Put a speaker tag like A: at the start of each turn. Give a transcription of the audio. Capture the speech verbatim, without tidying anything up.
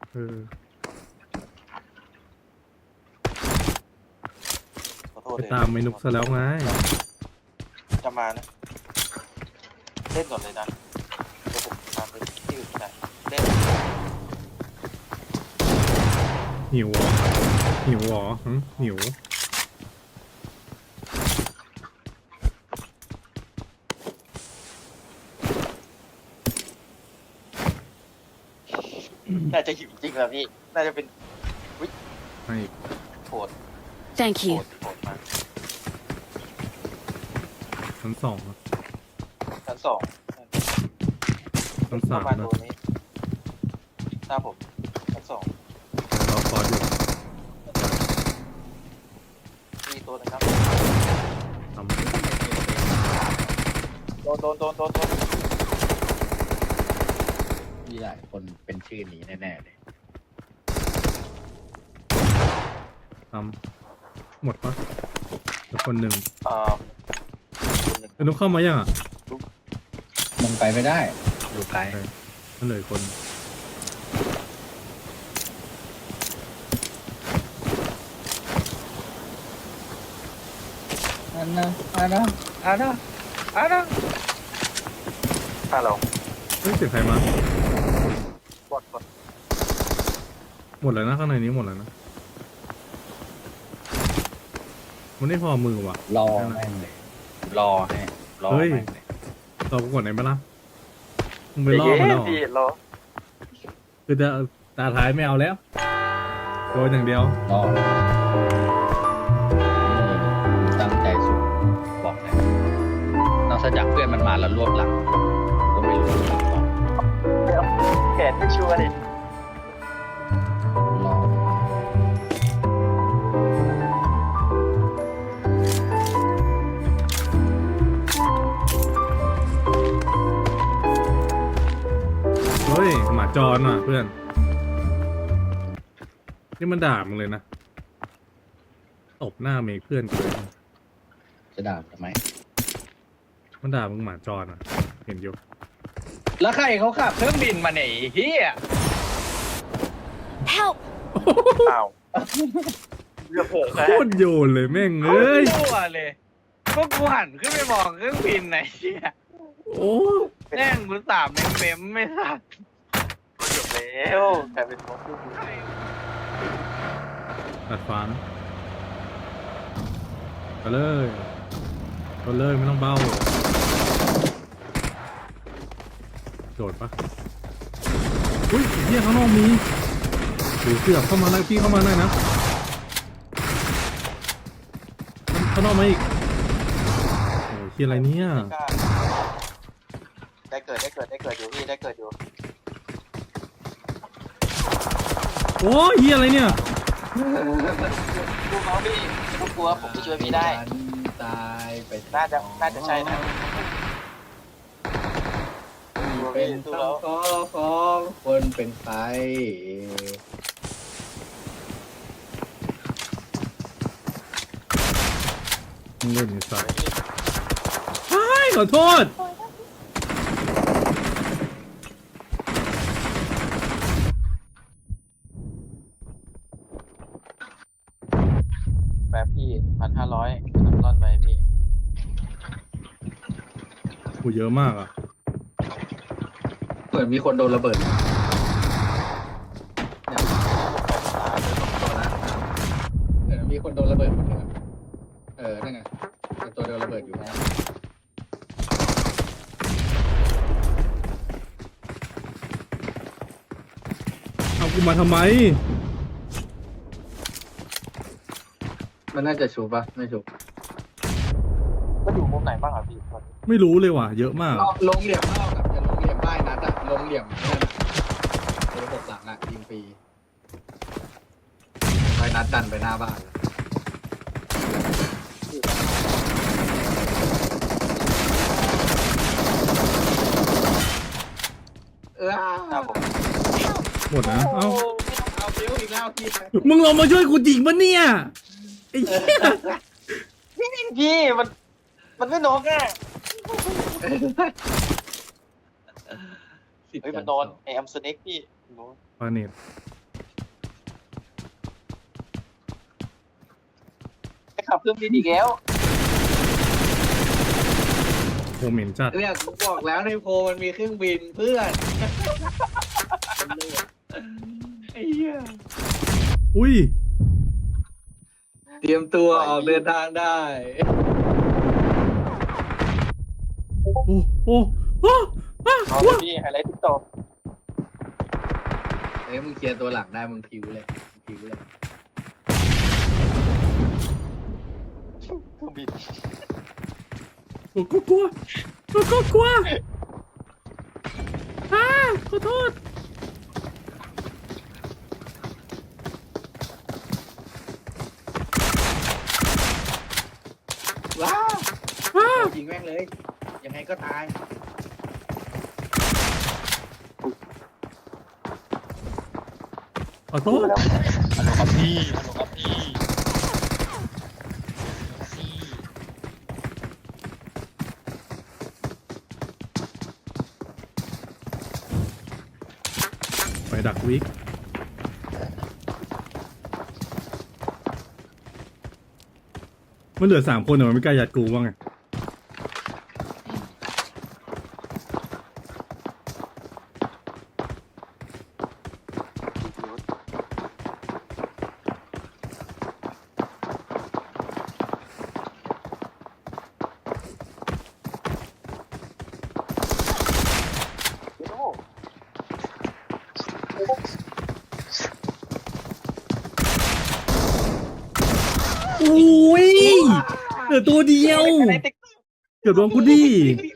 A: เออ
B: ขอโทษ
A: ไป
B: เลย
A: ตามไอ้นุกซะแล้วไง
B: จะมานะเล่นก่อนเลยนะเดี๋ยวผมตามไปที่อื่นก็ได้เล่น
A: หิวเหรอหิวเหรอหึหิว
B: น่าจะหิวจริงแล้วพี่น่าจะเป็นวิ
A: ให้
B: โหด
C: Thank
B: โห
C: you.
B: ดโหดมาก
A: ชั้นสองอะ
B: ชั้นสอง
A: ชั้น
B: ป
A: สา
B: ระ
A: ม
B: มาณ
A: นะ
B: ตัวนี้หน้าผมชั้นสอง
A: รอคอร์ดอยู่
B: มีตัวหนึงครับ
A: ทำ
B: โดนโดนโดนโดนโดน
D: มีหลายคนเป็นชื่อนี้แน่ๆเลย
A: ทำหมดปะแล้วคนหนึ่ง
B: เอ่อคนหนึ่ง
A: ไอ้นุกเข้ามายังอ่ะ
D: มันไปไม่ได้อยู่ไกล
A: มันเหลืออกคน
D: อันนะอันนะอันนะอันนะ
B: ถ้าเรา
A: เฮ้ยเสียงใครมา
B: บอดบอด
A: หมดแล้วนะข้างในนี้หมดแล้วนะมันไม่พอมือว่ะ
D: รอแม่งเลยรอให้รอ
A: เฮ้ย
D: แม่งเลย
A: เรากดไหนมาล่ะมึงไปล่อมันแล้วเหรอ
B: พี่รอ
A: คือจะตาท้ายไม่เอาแล้วโดนอย่างเดียว
D: รอตั้งใจสุดบอกเลยนอกจากเพื่อนมันมาแล้วรวบหลังก็ไม่รู้ว่าก่อน
B: แขนไม่ชัวร์ดิ
D: รอ
A: เฮ้ยหมาจรว่ะเพื่อนนี่มันด่ามึงเลยนะตบหน้าเมกเพื่อนกูเลย
D: จะด่าทำไม
A: มันด่ามึงหมาจรอ่ะ เห็นอยู่
D: แล้วใครเขาขับเครื่องบินมาเนี่ยไอ้เฮีย
C: Help!
B: อ้าวเรือเผลอ
A: โคตรโยนเลยแม่งเอ้ย
D: รั่วเลยพวกกูหันขึ้นไปมองเครื่องบินไหนเฮีย
A: โอ้
D: แม่งกูสามเมมเมมไม่สัก
B: จบแล้วกลายเป็นมดลูกนี้
A: ตัดฟ้านะไปเลยไปเลยไม่ต้องเบ้าโดดปะอุ้ยเฮียข้างนอกมีหรือเสือกเข้ามาไล่พี่เข้ามาได้นะข้างนอกมาอีกโอ้ยเฮียอะไรเนี่ย
B: กล้าได้เกิดได้เกิดได้เกิดอยู่พี่ได้เกิดอยู่
A: โอ้ยเฮียอะไรเนี่ย
B: ดูเขาพี่ไม่ต้องกลัวผมจะช่วยพี่ได้
D: ตายไป
B: น่าจะน่าจะใช่นะ
D: เป็นคำขอของคนเป็นไฟ
A: มึงเล่นในสายใช่ขอโทษ
B: แบบพี่พันห้าร้อยน้ำร่อนไปพี่
A: กูเยอะมากอ่ะ
D: เหมือนมีคนโดนระเบิดเหมือนมีคนโดนระเบิดคนหนึ่งเออนั่นไงเป็นตัวโดนระเบิดอยู่นะ
A: เอากูมาทำไม
D: มันน่าจะชูปะไม่ชู
B: ก็อยู่มุมไหนบ้างอ่ะพี่ตอนนี้
A: ไม่รู้เลยว่ะ เยอะมาก
D: ลงเหลี่ยมเท่ากับจะลงเหลี่ยมป้ายนัดอะลงเหลี่ยมนั่นอะระบบหลังอะยิงฟรีไปนัดดันไปหน้าบ้าน เออ
B: หน้าผม
A: หมดนะ เอ้า
D: เอาเบลอีกแล้วพี่
A: มึงลงมาช่วยกูจริงปะเนี่ยไอ้เหี้ย
B: พี่มันมันไม่นกอ่ะเฮ้ยมันโดนไอแอมสเน็กพี่โดน
A: ปาเนต
B: ขับเครื่องบินอีกแล้ว
A: โหเหม็นจัด
C: เนี่ยกูบอกแล้วในโพลมันมีเครื่องบินเพื่อนไอ้เหี้ย
A: อุ้ย
C: เตรียมตัวออกเดินทางได้
A: โอ้โอ้โอ้อ้า
B: เอา
A: ว้า
B: พี่ไฮไลท์ติ๊กต็อก
C: เอ้ยมึงเคลียร์ตัวหลังได้มึงพิวเลยมึงพิวเลย
B: เครื่องบิน
A: โอ้กลัวกลัวกลัวกลัวกลัวอ้าขอโทษ
C: ว้าว
A: อ้า
C: ยิงแม่งเลย ยังไงก็ตาย
A: ขอโทษ
D: ฮัลโหลครับพี่ฮัลโหลครับพี่พี่
A: ไปดักวิกมันเหลือสามคนแต่มันไม่กล้ายัดกูว่าไงอุ้ยเหลือตัวเดียว
B: ไฮไลท์ติ๊กต็อก
A: เกือบโดนกูดิ
C: พี่